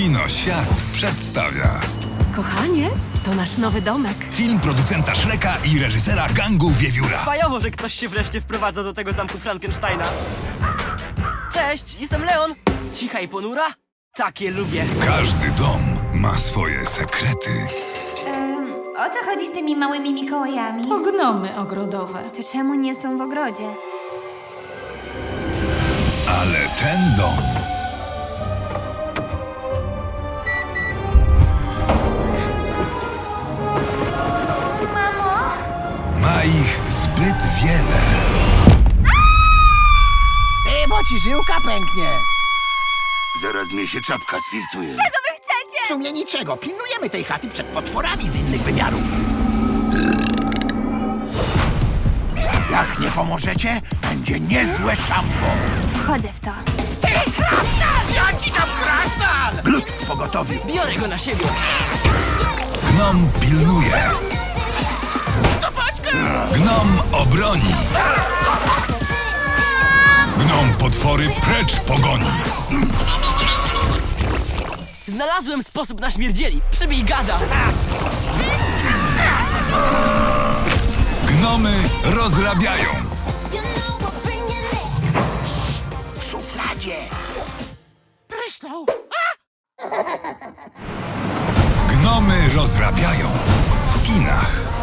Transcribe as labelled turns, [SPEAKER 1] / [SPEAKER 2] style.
[SPEAKER 1] Kino Świat przedstawia
[SPEAKER 2] Kochanie, to nasz nowy domek.
[SPEAKER 1] film producenta Shreka i reżysera Gangu Wiewióra.
[SPEAKER 3] Fajowo, że ktoś się wreszcie wprowadza do tego zamku Frankensteina. Cześć, jestem Leon. Cicha i ponura? Takie lubię.
[SPEAKER 1] Każdy dom ma swoje sekrety.
[SPEAKER 4] O co chodzi z tymi małymi Mikołajami?
[SPEAKER 2] To gnomy ogrodowe.
[SPEAKER 4] To czemu nie są w ogrodzie?
[SPEAKER 1] Ale ten dom
[SPEAKER 4] Mamo?
[SPEAKER 1] ma ich zbyt wiele.
[SPEAKER 5] Bo ci żyłka pęknie.
[SPEAKER 6] Zaraz mnie się czapka sfilcuje.
[SPEAKER 4] Czego wy chcecie?
[SPEAKER 5] W sumie niczego. Pilnujemy tej chaty przed potworami z innych wymiarów. Jak nie pomożecie, będzie niezłe szambo.
[SPEAKER 4] Wchodzę w to.
[SPEAKER 5] Ty, krasnal! Ja ci dam krasnal! Glut w pogotowiu.
[SPEAKER 3] Biorę go na siebie.
[SPEAKER 1] Gnom pilnuje. Gnom obroni. Gnom potwory precz pogoni.
[SPEAKER 3] Znalazłem sposób na śmierdzieli. Przybij gada.
[SPEAKER 1] Gnomy rozrabiają.
[SPEAKER 5] W szufladzie. Prysnął.
[SPEAKER 1] Gnomy rozrabiają w kinach.